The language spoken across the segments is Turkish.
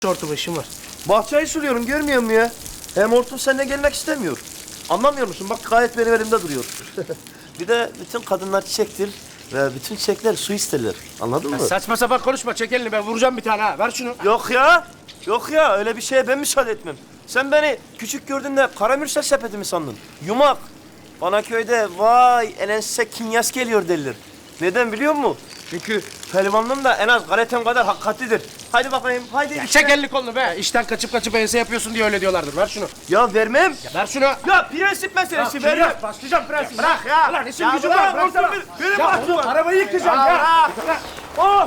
Hortum işim var. Bahçeyi suluyorum, görmüyor musun ya? Hem hortum seninle gelmek istemiyor. Anlamıyor musun? Bak gayet benim elimde duruyor. Bir de bütün kadınlar çiçektir ve bütün çiçekler su isterler. Anladın mı? Saçma sapan konuşma. Çek elini, ben vuracağım bir tane ha. Ver şunu. Yok ya. Yok ya. Öyle bir şeye ben müsaade etmem. Sen beni küçük gördüğünde karamürsel sepeti mi sandın? Yumak. Bana köyde vay elense kinyas geliyor derler. Neden biliyor musun? Çünkü pehlivanlığım da en az galetem kadar hakikatlidir. Haydi bakayım, haydi. Ya çek elini kolunu be. İşten kaçıp ense yapıyorsun diye öyle diyorlardır. Ver şunu. Ya vermem. Ver şunu. Ya prensip meselesi vermem. Başlayacağım prensip. Bırak ya. Ulan işim Ya gücüm bırak, var. Bıraksana. hortum benim Ya bahçem oğlum, var. arabayı yıkacağım ya. Ya bırak. Oh!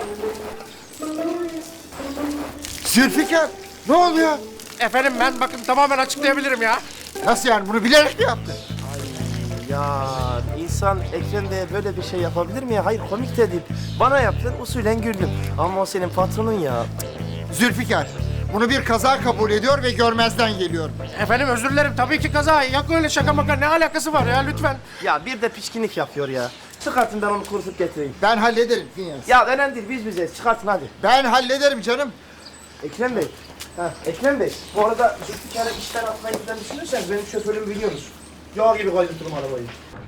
Zülfikar, ne oluyor? Efendim ben bakın tamamen açıklayabilirim ya. Nasıl yani, bunu bilerek mi yaptın? Ya insan Ekrem Bey'e böyle bir şey yapabilir mi ya? Hayır komik de değil. Bana yaptın usulen güldüm. Ama o senin patronun ya. Zülfikar, bunu bir kaza kabul ediyor ve görmezden geliyor. Efendim özür dilerim. Tabii ki kaza. Yok öyle şaka maka. Ne alakası var ya lütfen. Ya bir de pişkinlik yapıyor ya. Çıkartın ben onu kurutup getireyim. Ben hallederim Finyas. Ya önemli değil biz bizeyiz. Çıkartın hadi. Ben hallederim canım. Ekrem Bey. Ekrem Bey. Bu arada Zülfikar'ı işten atmayı falan düşünürseniz benim şoförümü biliyorsunuz. Yağ gibi kaydırtırım arabayı.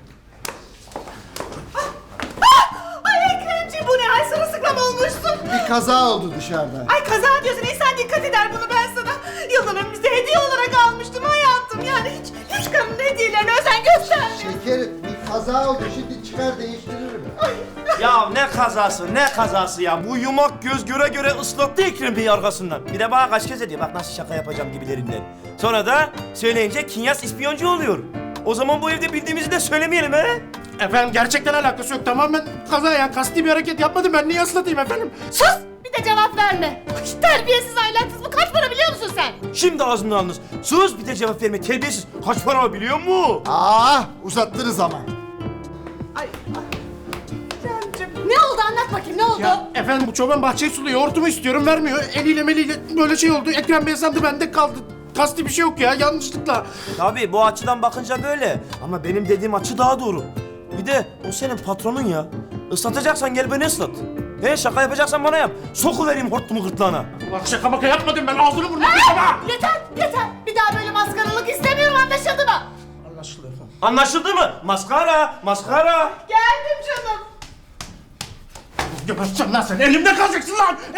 Ay Ekremciğim bu ne? Ay sırılsıklam olmuşsun. Bir kaza oldu dışarıda. Ay kaza diyorsun. İnsan dikkat eder bunu ben sana. Yılların bize hediye olarak almıştım hayatım. Yani hiç kadının hediyelerine özen göstermiyor. Şekerim, bir kaza oldu. Şimdi çıkar değiştiririm. Ya ne kazası, ne kazası ya. Bu yumak göz göre göre ıslattı Ekrem Bey'i arkasından. Bir de bana kaç kez ediyor. Bak nasıl şaka yapacağım gibilerinden. Sonra da söyleyince Kinyas ispiyoncu oluyor. O zaman bu evde bildiğimizi de söylemeyelim he? Efendim gerçekten alakası yok. Tamamen kaza ya. Kasti bir hareket yapmadım. Ben niye ıslatayım efendim? Sus! Bir de cevap verme. Ay, terbiyesiz ahlaksız. Bu kaç para biliyor musun sen? Şimdi ağzından alınız. Sus bir de cevap verme terbiyesiz. Kaç para biliyor musun? Uzattınız ama. Ne oldu anlat bakayım ne oldu? Ya efendim bu çoban bahçeyi suluyor. Hortumu istiyorum vermiyor. Eliyle meliyle böyle şey oldu. Ekrem Bey sandı bende kaldı. Kasti bir şey yok ya. Yanlışlıkla. Tabii bu açıdan bakınca böyle. Ama benim dediğim açı daha doğru. Bir de o senin patronun ya. Islatacaksan gel beni ıslat. He şaka yapacaksan bana yap. Sokuvereyim hortumu gırtlağına. Ulan şaka maka yapmadım ben. Ağzını burnunu kırma. Yeter yeter. Bir daha böyle maskaralık istemiyorum anlaşıldı mı? Anlaşıldı efendim. Anlaşıldı mı? Maskara, maskara. Geldim canım. Geberteceğim lan seni. Elimde kalacaksın lan.